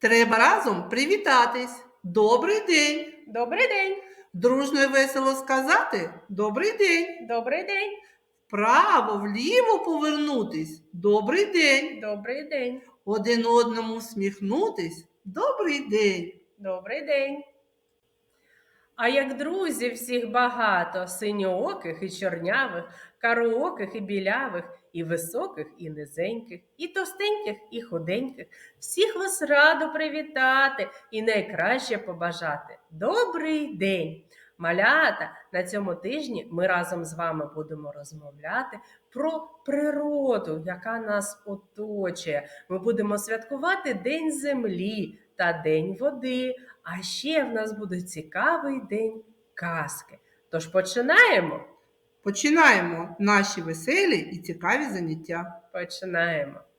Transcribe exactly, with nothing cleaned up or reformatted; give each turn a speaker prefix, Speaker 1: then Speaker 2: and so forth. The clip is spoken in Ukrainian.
Speaker 1: Треба разом привітатись. Добрий день.
Speaker 2: Добрий день.
Speaker 1: Дружно і весело сказати «Добрий день».
Speaker 2: Добрий день.
Speaker 1: Вправо, вліво повернутись «Добрий день».
Speaker 2: Добрий день.
Speaker 1: Один одному всміхнутись «Добрий день».
Speaker 2: Добрий день. А як друзів всіх багато, синьооких і чорнявих, карооких і білявих, і високих, і низеньких, і товстеньких, і худеньких, всіх вас радо привітати і найкраще побажати. Добрий день! Малята, на цьому тижні ми разом з вами будемо розмовляти про природу, яка нас оточує. Ми будемо святкувати День землі та День води, а ще в нас буде цікавий день казки. Тож починаємо?
Speaker 1: Починаємо наші веселі і цікаві заняття.
Speaker 2: Починаємо.